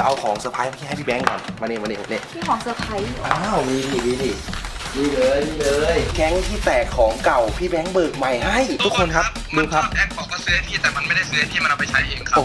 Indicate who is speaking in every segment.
Speaker 1: จะเอาของเซอร์ไพรส์ให้พี่แบงค์ก่อนมานี่
Speaker 2: พี่ของเซอร์ไพรส์
Speaker 1: อ้าวมีดินี่เลยแก๊งที่แตกของเก่าพี่แบงค์เบิกใหม่ให้ทุกคนครับดูครับ
Speaker 3: แอคบอกว่าซื้อที่แต่มันไม่ได้ซื้อที่มันเอาไปใช้เองครับ
Speaker 1: โอ้โห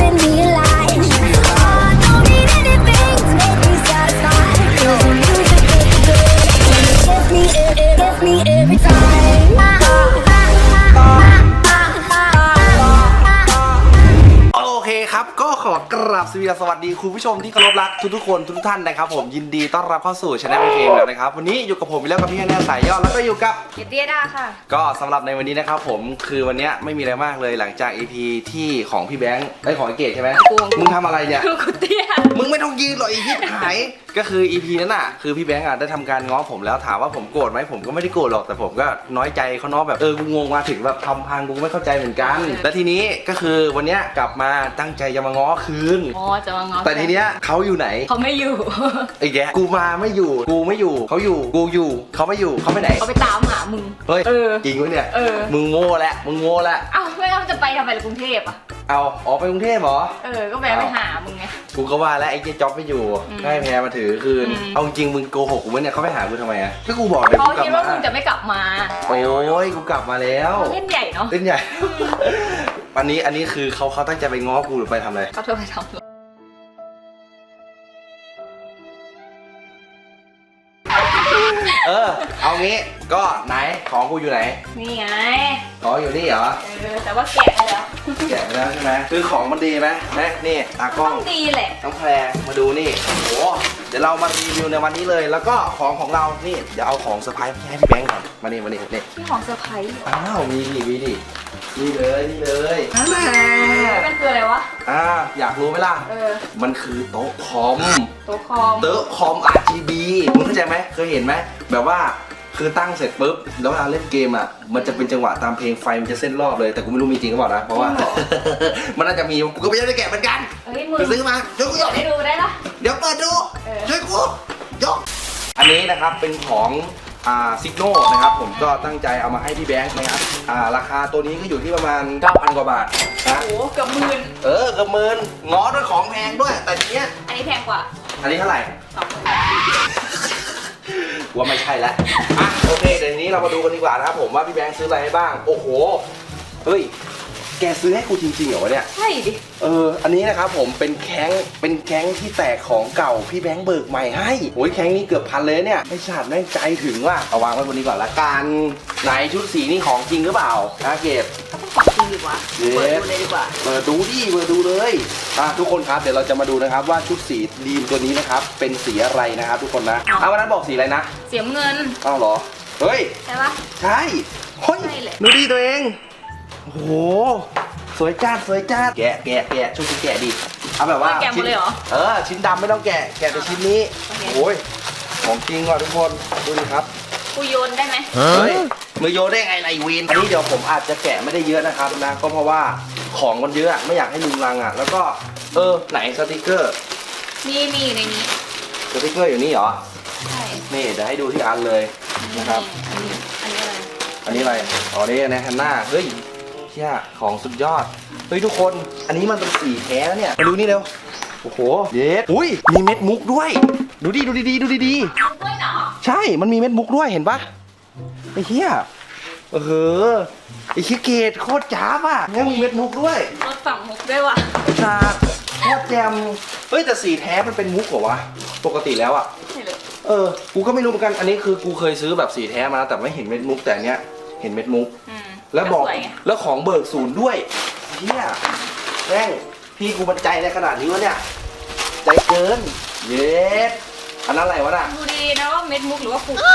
Speaker 1: โอเคครับก็ขอกราบสวัสดีคุณผู้ชมที่เคารพรักทุกคนทุกท่านนะครับผมยินดีต้อนรับเข้าสู่ช anel เกมแล้วนะครับวันนี้อยู่กับผมอีกแล้วกับพี่แน่สายยอดแล้วก็อยู่กับ
Speaker 2: เดียดาค่ะ
Speaker 1: ก็สำหรับในวันนี้นะครับผมคือวันนี้ไม่มีอะไรมากเลยหลังจาก EP ที่ของพี่แบงค์ไอ้ของไอเกดใช่ไหมมึงทำอะไรเนี่ย
Speaker 2: กูเตี้ย
Speaker 1: มึงไม่ต้องยืนหรอกอีพีหายก็คือ EP นั้นน่ะคือพี่แบงค์ได้ทำการง้อผมแล้วถามว่าผมโกรธไหมผมก็ไม่ได้โกรธหรอกแต่ผมก็น้อยใจเขาเนาะแบบกูงงมาถึงแบบทำพังกูไม่เข้าใจเหมือนกันและทีนี้ก็คือวันนี้กลับมาตั้งใจจะมาง้อคืน
Speaker 2: จะมาง้อ
Speaker 1: แต่ทีเนี้ยเขาอยู่ไหน
Speaker 2: เขาไม่อยู่
Speaker 1: ไอ้แกกูมาไม่อยู่กูไม่อยู่เขาอยู่กูอยู่เขาไม่อยู่เขาไปไหน
Speaker 2: เขาไปตามหามึง
Speaker 1: เฮ้ยจริงวะเนี่ยมึงโง่แล้ว
Speaker 2: อ้าวไม่ต้องจะไปทำไมล่ะกรุงเทพอ่ะ
Speaker 1: ไปกรุงเทพเหรอ
Speaker 2: ก็แวะไปหามึงไง
Speaker 1: กูก็ว่าแล้วไอ้เจ๊จ๊อบไม่อยู่ให้แพรมาถือคืนเอาจริงมึงโกหกกูเนี่ยเขาไปหากูทำไมอะถ้ากูบอกเลย
Speaker 2: เขาคิดว่ามึงจะไม่กลับมา
Speaker 1: โอ้ยกูกลับมาแล้ว
Speaker 2: เล่นใหญ่เนาะ
Speaker 1: เล่นใหญ่อันนี้คือเขาตั้งใจไปง้อกูหรือไปทำอะไร
Speaker 2: เขาเธอไปทำ
Speaker 1: เอางี้ก็ไหนของกูอยู่ไหน
Speaker 2: นี่ไง
Speaker 1: ของอยู่นี่เหรอ
Speaker 2: แต่ว่าแกะไปแล้ว
Speaker 1: แกะไปแล้วใช่ไหมคือของมันดีไหมนี่ตากล้อง
Speaker 2: ดีแหละ
Speaker 1: น้องแพรมาดูนี่โอ้โหเดี๋ยวเรามารีวิวในวันนี้เลยแล้วก็ของเรานี่เดี๋ยวเอาของเซอร์ไพรส์ให้พี่แบงค์ก่อนมานี่
Speaker 2: พี่ของเซอร์ไพรส์
Speaker 1: อ้าวมีดินี่เลย
Speaker 2: มันคืออะไรวะ
Speaker 1: อยากรู้ไหมล่ะมันคือโต๊ะคอมRGB มึงเข้าใจไหมเคยเห็นไหมแบบว่าคือตั้งเสร็จปุ๊บแล้วเวลาเล่นเกมอ่ะมันจะเป็นจังหวะตามเพลงไฟมันจะเส้นรอบเลยแต่กูไม่รู้มีจริงหรือเปล่านะเพราะว่ามันน่าจะมีกูก็ไม่ได้แกะเหมือนกันไปซื้อมาช่วยกูยก
Speaker 2: ให้ดูได้ละ
Speaker 1: เดี๋ยวเปิดดูช่วยกูยกอันนี้นะครับเป็นของซิกโน่นะครับผมก็ตั้งใจเอามาให้พี่แบงค์นะครับราคาตัวนี้ก็อยู่ที่ประมาณ 9,000 กว่าบาทนะ
Speaker 2: โอ้เกือบหมื่น
Speaker 1: เกือบหมื่นง้อด้วยของแพงด้วยแต่ทีเนี้ย
Speaker 2: อันนี้แพงกว่า
Speaker 1: อันนี้เท่าไหร่ว่าไม่ใช่แล้วโอเคเดี๋ยวนี้เรามาดูกันดีกว่านะครับผมว่าพี่แบงค์ซื้ออะไรให้บ้างโอ้โหเฮ้ยแกซื้อให้กูจริงๆเหรอวะเนี่ย
Speaker 2: ใช่ดิ
Speaker 1: อันนี้นะครับผมเป็นแก๊งที่แตกของเก่าพี่แบงค์เบิกใหม่ให้โอ้ยแก๊งนี้เกือบพันเลยเนี่ยไม่ฉาดแม่งใจถึงว่ะเอาวางไว้บนนี้ก่อนละกันไหนชุดสีนี่ของจริงหรือเปล่าเก็บ
Speaker 2: ก็ต้องของจริงดีกว่าเปิดดูเลยดีกว่า
Speaker 1: เปิดดูเลยทุกคนครับเดี๋ยวเราจะมาดูนะครับว่าชุดสีดีมตัวนี้นะครับเป็นสีอะไรนะครับทุกคนนะวันนั้นบอกสีอะไรนะ
Speaker 2: สีเงิน
Speaker 1: เหรอเฮ้ย
Speaker 2: ใช่ปะ
Speaker 1: ใช่เฮ้ยดูดิตัวเองโอ้โหสวยจ้าแกะช่วยกูแกะดิเอาแบบว่า
Speaker 2: แกะหมดเลยเหรอ
Speaker 1: ชิ้นดำไม่ต้องแกะแต่ชิ้นนี้โอ้ยของจริงว่ะทุกคนดูดิครับ
Speaker 2: กูโยนได้ไหม
Speaker 1: เฮ้ยมือโยนได้ไงไอวีนอันนี้เดี๋ยวผมอาจจะแกะไม่ได้เยอะนะครับนะก็เพราะว่าของมันเยอะไม่อยากให้ลุงรังแล้วก็ไหนสติกเกอร์
Speaker 2: มีในนี้
Speaker 1: สติกเกอร์อยู่นี่เหรอ
Speaker 2: ใช่
Speaker 1: นี่เดี๋ยวให้ดูที่อันเลยนะครับอันนี้อะไรนี่ในฮันน่าเฮ้ยเชี่ยของสุดยอดเฮ้ยทุกคนอันนี้มันเป็นสีแท้แล้วเนี่ยมาดูนี่เร็วโอ้โหเย็ดอุ้ยมีเม็ดมุกด้วยดูดี
Speaker 2: ด้วยเหรอ
Speaker 1: ใช่มันมีเม็ดมุกด้วยเห็นปะไอ้เหี้ยไอ้ขี้เกตโคตรจ้าบอ่ะงั้นมีเม็ดมุกด้วย
Speaker 2: รถฝั่งมุกด้วยว่ะ
Speaker 1: ชาโคตรแจมเฮ้ยแต่สีแท้มันเป็นมุกเหรอวะปกติแล้วอ่ะกูก็ไม่รู้เหมือนกันอันนี้คือกูเคยซื้อแบบสีแท้มาแต่ไม่เห็นเม็ดมุกแต่เนี้ยเห็นเม็ดมุกแล้วบอกแล้วของเบิกศูนย์ด้วยเฮียแม่งพี่กูบรรจัยในขนาดนี้วะเนี่ยใจเกินเย็ดอันนั้นอะไรวะน่ะ
Speaker 2: ดูดีนะว่าเม็ดมุกหรือว่าฟุก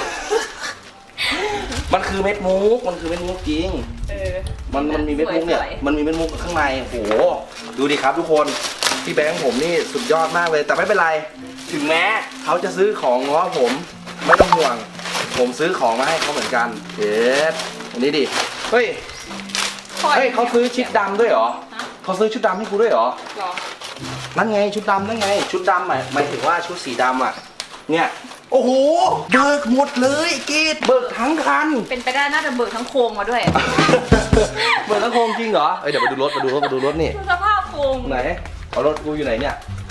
Speaker 1: มันคือเม็ดมุกจริงมันมีเม็ดมุกเนี่ยมันมีเม็ดมุกข้างในโอ้โหดูดิครับทุกคนพี่แบงค์ผมนี่สุดยอดมากเลยแต่ไม่เป็นไรถึงแม้เขาจะซื้อของง้อผมไม่ต้องห่วงผมซื้อของมาให้เขาเหมือนกันเย็ดอันนี้ดิเฮ้ยเขาซื้อชุดดำด้วยเหรอเขาซื้อชุดดำให้กูด้วยเหรอนั่นไงชุดดำนั่นไงชุดดำหมายถึงว่าชุดสีดำอ่ะเนี่ยโอ้โหเบิกหมดเลยกีดเบิกทั้งคัน
Speaker 2: เป็นไปได้น่าจะเบิกทั้งโครงมาด้วย
Speaker 1: เบิกทั้งโครงจริงเหรอเดี๋ยวมาดูรถนี่
Speaker 2: สภาพโครง
Speaker 1: ไหนเอารถกูอยู่ไหนเนี่ย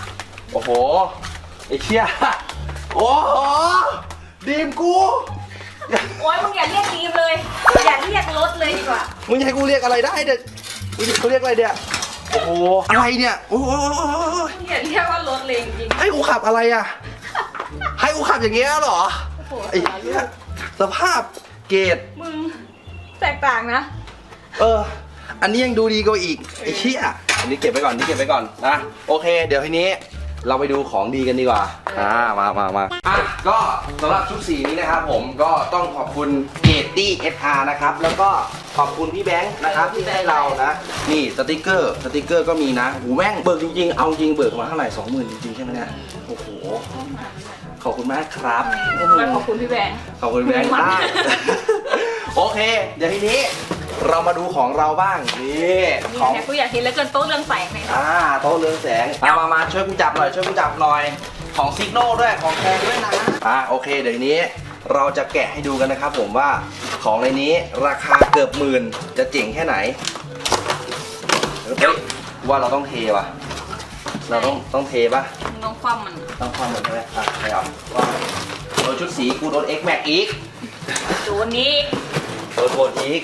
Speaker 1: โอ้โหไอ้เชี่ยโอ้โหดีมกู
Speaker 2: โอ๊ยมึงอย่าเรียกดีมเลยอย่าเรียกรถเลยดีกว่า
Speaker 1: มึงจะให้กูเรียกอะไรได้เด็กมึงจะกูเรียกอะไรเนี่ยโอ้โหอะไรเนี่ยโอ้โห
Speaker 2: มึงอย่าเรียกว่ารถเลยจริง
Speaker 1: ให้กูขับอะไรอ่ะให้กูขับอย่างเงี้ยเหรอ
Speaker 2: โอ้โห
Speaker 1: ไอ้เหี้ยสภาพเกรด
Speaker 2: มึงแตกต่างนะ
Speaker 1: อันนี้ยังดูดีกว่าอีกไอ้เชี่ยอันนี้เก็บไว้ก่อนนี่เก็บไว้ก่อนนะโอเค เดี๋ยวทีนี้เราไปดูของดีกันดีกว่ามาก็สำหรับชุดสีนี้นะครับผมก็ต้องขอบคุณเกตตี้ SR นะครับแล้วก็ขอบคุณพี่แบงค์นะครับที่ให้เรานะนี่สติกเกอร์ก็มีนะหูแม่งเบิกจริงๆเอาจริงเบิกมาเท่าไหร่ 20,000 จริงๆใช่ไหมเนี่ยโอ้โหขอบคุณมากครับ
Speaker 2: มาขอบคุณพี่แบงค์
Speaker 1: ขอบคุณแบงค์มากโอเค เดี๋ยวทีนี้เรามาดูของเราบ้างนี่ของ
Speaker 2: เนี่ยกูอยากเห็นแล้วเกินโต๊ะเรื่องแสงเลย
Speaker 1: โต๊ะเรืองแสงมาช่วยกูจับหน่อยของซิกโนด้วยของแพงด้วยนะโอเคเดี๋ยวทีนี้เราจะแกะให้ดูกันนะครับผมว่าของในนี้ราคาเกือบหมื่นจะเจ๋งแค่ไหนเฮ้ยว่าเราต้องเทว่ะเราต้องเทป่ะ
Speaker 2: มึงต้องคว่ำมัน
Speaker 1: ต้องความเหมือนใช่ไหมใช่ครับว่าโดนชุดสีกูโดน X Max อีก
Speaker 2: โดนนี้
Speaker 1: โดนโทนอีก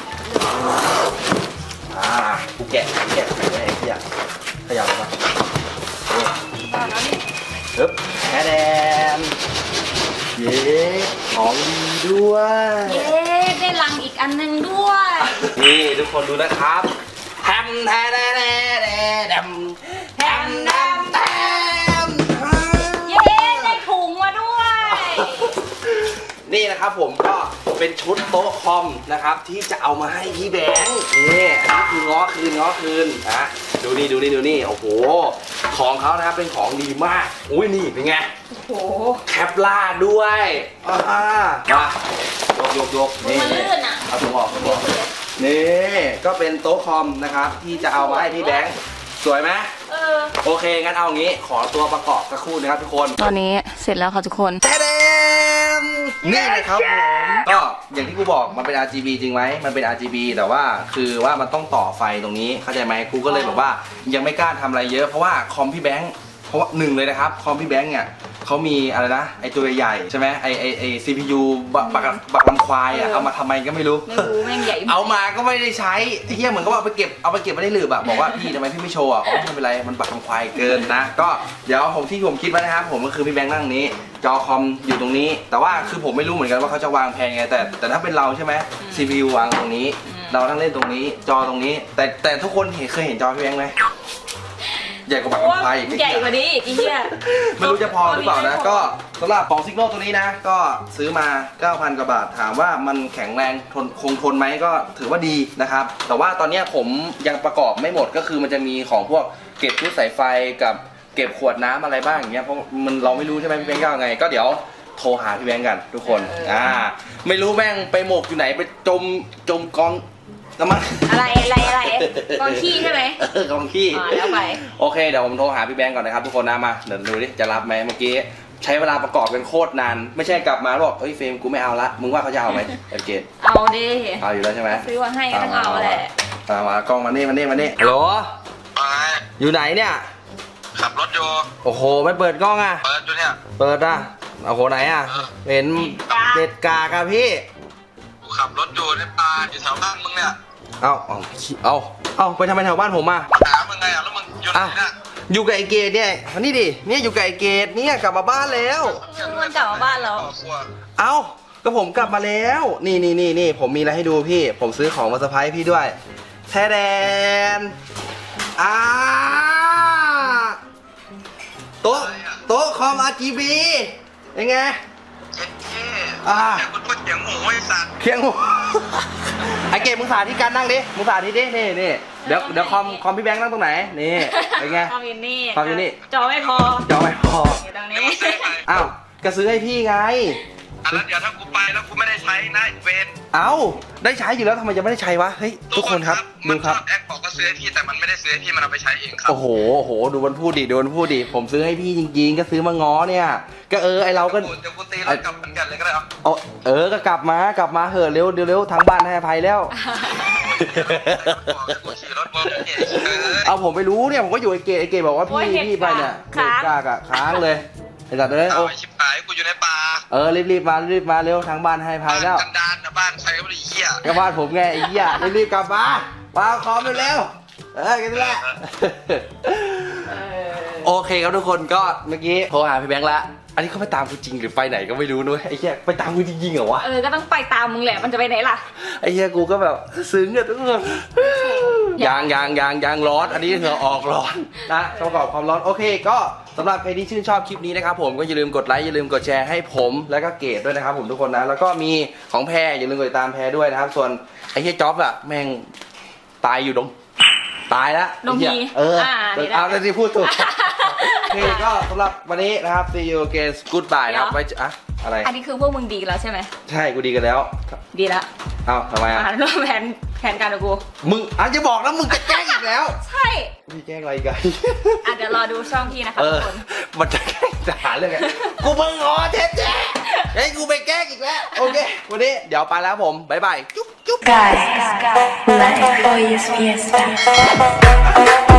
Speaker 1: กูแกะไอ้เหี้ยขยับมา
Speaker 2: แล้วนี่
Speaker 1: ปึ๊บแฮแดนเย้ของดีด้วย
Speaker 2: เย้ได้ลังอีกอันหนึงด้วย
Speaker 1: นี่ทุกคนดูนะครับแฮมแทแดแดแดแดมแฮมแดมแดม
Speaker 2: เย้ได้ถุงมาด้วย
Speaker 1: นี่นะครับผมก็เป็นชุดโต๊ะคอมนะครับที่จะเอามาให้พี่แบงค์นี่อันนี้คือง้อคืนนะดูนี่โอ้โหของเขานะครับเป็นของดีมากอุ้ยนี่เป็นไง
Speaker 2: โอ้โห
Speaker 1: แคปล่าด้วยมายก
Speaker 2: มันลื่นอ่ะ
Speaker 1: เอาถุงออกนี่ก็เป็นโต๊ะคอมนะครับที่จะเอามาให้พี่แบงค์สวยไหมโอเคงั้นเอางี้ขอตัวประกอบสักครู่นะครับทุกคน
Speaker 2: ตอนนี้เสร็จแล้วค่ะทุกคน
Speaker 1: แท้นี่นะครับผมก็อย่างที่กูบอกมันเป็น RGB จริงไหมมันเป็น RGB แต่ว่าคือว่ามันต้องต่อไฟตรงนี้เข้าใจไหมกูก็เลยแบบว่ายังไม่กล้าทำอะไรเยอะเพราะว่าคอมพี่แบงค์เพราะว่าหนึ่งเลยนะครับคอมพี่แบงค์เนี่ยเขามีอะไรนะไอตัวใหญ่ใช่ไหมไอ CPU บักลำควายอ่ะเอามาทำไมก็ไม่รู้
Speaker 2: แม่งใหญ่
Speaker 1: เอามาก็ไม่ได้ใช้ไอ้เหี้ยเหมือนกับว่าเอาไปเก็บไม่ได้หลืบอะบอกว่าพี่ทำไมพี่ไม่โชว์อะไม่เป็นไรมันบักลำควายเกินนะก็เดี๋ยวผมคิดไว้นะครับผมก็คือพี่แบงค์นั่งนี้จอคอมอยู่ตรงนี้แต่ว่าคือผมไม่รู้เหมือนกันว่าเขาจะวางแผนไงแต่ถ้าเป็นเราใช่ไหม CPU วางตรงนี้เรานั่งเล่นตรงนี้จอตรงนี้แต่ทุกคนเคยเห็นจอพี่แบงค์ไหมใหญ่กว่าบักลำควายอีก
Speaker 2: ใหญ่กว่านี้อีกเนี่ย
Speaker 1: ไม่รู้จะพอหรือเปล่านะก็สำหรับของซิกโนตัวนี้นะก็ซื้อมา 9,000 กว่าบาทถามว่ามันแข็งแรงคงทนไหมก็ถือว่าดีนะครับแต่ว่าตอนนี้ผมยังประกอบไม่หมดก็คือมันจะมีของพวกเก็บชุดสายไฟกับเก็บขวดน้ำอะไรบ้างอย่างเงี้ยเพราะมันเราไม่รู้ใช่ไหมพี่แบงค์ก็ไงก็เดี๋ยวโทรหาพี่แบงค์กันทุกคนไม่รู้แม่งไปหมกอยู่ไหนไปจมกองน้ำมัน
Speaker 2: อะไรกองขี้ใช่ไหม
Speaker 1: กองขี้
Speaker 2: แล้วไป
Speaker 1: โอเคเดี๋ยวผมโทรหาพี่แบงค์ก่อนนะครับทุกคนนะมาเดี๋ยวดูดิจะรับไหมเมื่อกี้ใช้เวลาประกอบกันโคตรนานไม่ใช่กลับมาแล้วบอกเฮ้ยเฟรมกูไม่เอาละมึงว่าเขาจะเอาไหมเอเกต
Speaker 2: เอาดิ
Speaker 1: เอาอยู่แล้วใช่ไหม
Speaker 2: ซื้อมาให้ก็ต้องเอาแหละ
Speaker 1: มากล้องมานี่ฮัลโหลอยู่ไหนเนี่ย
Speaker 3: ขับรถอยู่
Speaker 1: โอ้โหไม่เปิดกล้องอ่ะ
Speaker 3: เปิดอยู่เนี่ย
Speaker 1: เปิดอ่ะโอ้โหไหนอ่ะเห็นเด็ดกากอะพี่
Speaker 3: กูขับรถอยู่ในป่าอยู่แถวบ้านมึงเนี่ย
Speaker 1: เอาไปทำไมแถวบ้านผมอ่ะ
Speaker 3: มาหามึงไงอ่ะแล้วมึงอยู่ไหนเนี่ย
Speaker 1: อยู่กับไอเกดเนี่ยมานี่ดิเนี่ยอยู่กับไอเกดเนี่ยกลับมาบ้านแล้ว
Speaker 2: มันกลับมาบ้านแล้ว
Speaker 1: เอ้าก็ผมกลับมาแล้วนี่ผมมีอะไรให้ดูพี่ผมซื้อของมาเซอร์ไพรส์พี่ด้วยแท้แดนโต๊ะคอม RGB ยังไง
Speaker 3: แต่กูพูดเสียงหมูไอ้สัตว์
Speaker 1: เคียงหัวไอเกดมึงสาธิตการนั่งดิมึงสาธิตดินี่เดี๋ยวคอมพี่แบงค์นั่งตรงไหนนี่เป็นไง
Speaker 2: คอมอยู่นี่
Speaker 1: คอมอยู่นี่
Speaker 2: จอไม่พอ อยู่ตรงนี้
Speaker 1: อ้าวก็ซื้อให้พี่ไง
Speaker 3: แล้วเดี๋ยวถ้ากูไปแล้วกูไม่ได้ใช้นะเวน
Speaker 1: เอ้าได้ใช้อยู่แล้วทำไมจะไม่ได้ใช้วะเฮ้ยทุกคนครับดูครับ
Speaker 3: แอคบอกก็ซื้อให้พี่แต่มันไม่ได้ซื้อให้พี่มันเอาไปใช้เองครับ
Speaker 1: โอ้โหดูมันพูดดิผมซื้อให้พี่จริงๆก็ซื้อมาง้อเนี่ยก็ไอเราก็
Speaker 3: เดี๋ยวกูตีแล้วกลับเหมือนกันเลยก็ได้ครับ
Speaker 1: ก็กลับมาเหอะเร็วทางบ้านให้อภัยแล้ว
Speaker 3: กูขี่รถบอลเนี่ย
Speaker 1: เอาผมไปรู้เนี่ยผมก็อยู่ไอเกบอกว่าพี่ไปเนี่ยเน็ตกากอะค้างเลยไอ้สัตว์เลย
Speaker 3: เอาไอ้ชิบหายกูอยู่ในป่า
Speaker 1: รีบมาเร็วทางบ้านให้พายแล้ว
Speaker 3: กันดานนะบ้านใครก็ไม่ได้เหี้ย
Speaker 1: ก็บ้านผมไงไอ้เหี้ยรีบกลับมาคอมเร็วกันแหละโอเคครับทุกคนก็เมื่อกี้โทรหาพี่แบงค์ละอันนี้เขาไปตามกูจริงหรือไปไหนก็ไม่รู้นุ้ยไอ้เหี้ยไปตามกูจริงๆเหรอวะ
Speaker 2: ก็ต้องไปตามมึงแหละมันจะไปไหนล่ะ
Speaker 1: ไอ้เหี้ยกูก็แบบซึ้งอะทุกคนยางร้อนอันนี้เหงื่อออกร้อนนะประกอบความร้อนโอเคก็สำหรับใครที่ชื่นชอบคลิปนี้นะครับผมก็อย่าลืมกดไลค์อย่าลืมกดแชร์ให้ผมแล้วก็เกดด้วยนะครับผมทุกคนนะแล้วก็มีของแพรอย่าลืมกดติดตามแพรด้วยนะครับส่วนไอ้เหี้ยจ๊อบอะแม่งตายอยู่ตายแล้ว
Speaker 2: นมพี
Speaker 1: เอาแต่ที่พูดถูกโอเคก็สำหรับวันนี้นะครับ see you again goodbye นะครับไว้อะไร
Speaker 2: อันนี้คือพวกมึงดีกันแล้วใช่ไหม
Speaker 1: ใช่กูดีกันแล้ว
Speaker 2: ดีแล้ว
Speaker 1: ทำไม
Speaker 2: ร่วมแผนการกับกู
Speaker 1: มึงจะบอกนะมึงจะแกล้งอีกแล้ว
Speaker 2: ใช่
Speaker 1: พี่แกล้งอะไรกัน
Speaker 2: เดี๋ยวรอดูช่องพี่นะคะทุกคน
Speaker 1: มันจะแกล้งจะหาเรื่องไงกูเพิ่งเจ๊ให้กูไปแกล้งอีกแล้วโอเควันนี้เดี๋ยวไปแล้วผมบ๊ายบายจุ๊บ
Speaker 4: Guys, like hoy es fiesta.